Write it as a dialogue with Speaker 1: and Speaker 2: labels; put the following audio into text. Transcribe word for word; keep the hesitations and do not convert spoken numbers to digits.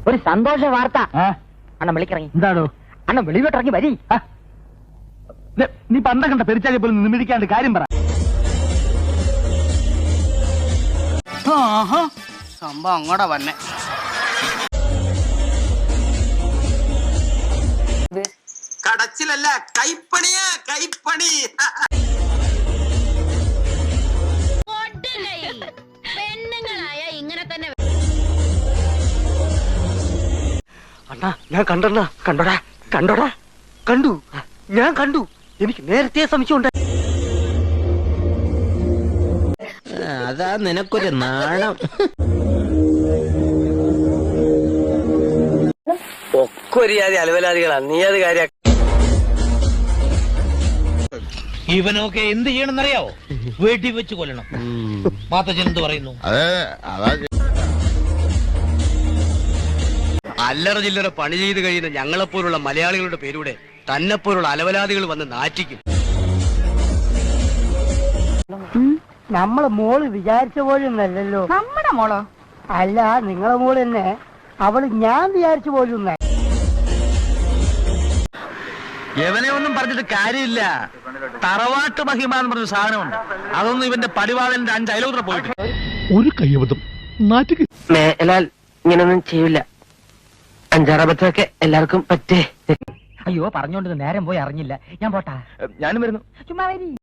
Speaker 1: ഒരു സന്തോഷ വാർത്ത. അണ്ണൻ വിളിക്കിറങ്ങി.
Speaker 2: എന്താണോ?
Speaker 1: അണ്ണൻ വെളിവിട്ടിറങ്ങി വരി.
Speaker 2: നീ പണ്ട കണ്ട പെരിച്ചാലി പോലും നിമിടിക്കാണ്ട് കാര്യം പറ.
Speaker 3: സംഭവം അങ്ങോട്ടാ വന്നെ. കടച്ചിലല്ല, കൈപ്പണിയാ, കൈപ്പണി.
Speaker 4: പെണ്ണുങ്ങളായ ഇങ്ങനെ തന്നെ.
Speaker 1: അണ്ണാ ഞാൻ കണ്ടണ്ണ. കണ്ടോടാ കണ്ടോടാ കണ്ടു. ഞാൻ കണ്ടു. എനിക്ക് നേരത്തെ സംശയമുണ്ട്.
Speaker 5: അതാ നിനക്കൊരു നാണം.
Speaker 6: ഒക്കെ ഒരു ജാതി അലവലാദികളാണ്. നീ അത് കാര്യ
Speaker 7: ഇവനൊക്കെ എന്ത് ചെയ്യണമെന്നറിയാവോ? വീട്ടിൽ വെച്ച് കൊല്ലണം. മാത്തച്ഛൻ എന്ത് പറയുന്നു?
Speaker 6: അല്ലറ ചില്ലറ പണി ചെയ്ത് കഴിയുന്ന ഞങ്ങളെപ്പോലുള്ള മലയാളികളുടെ പേരൂടെ തന്നെപ്പോലുള്ള അലവലാദികൾ വന്ന് നാറ്റിക്കും.
Speaker 1: നമ്മളെ മോള് വിചാരിച്ച പോലും അല്ലല്ലോ.
Speaker 4: നമ്മുടെ മോളോ?
Speaker 1: അല്ല, നിങ്ങളെ മോള് തന്നെ. അവള് ഞാൻ വിചാരിച്ച പോലും.
Speaker 2: എവനെ ഒന്നും പറഞ്ഞിട്ട് കാര്യമില്ല. തറവാട്ട് മഹിമ എന്ന് പറഞ്ഞ സാധനമുണ്ട്. അതൊന്നും ഇവന്റെ പടിവാളന്റെ അഞ്ച് അയലോത്ര പോയിട്ട്
Speaker 8: ഒരു കയ്യബദ്ധം നാറ്റുക.
Speaker 6: മേലാൽ ഇങ്ങനൊന്നും ചെയ്യില്ല. അഞ്ചാറബത്തൊക്കെ എല്ലാവർക്കും പറ്റേ.
Speaker 1: അയ്യോ, പറഞ്ഞോണ്ട് നേരം പോയി അറിഞ്ഞില്ല. ഞാൻ പോട്ടാ.
Speaker 2: ഞാനും വരുന്നു.
Speaker 1: ചുമ്മാ വരി.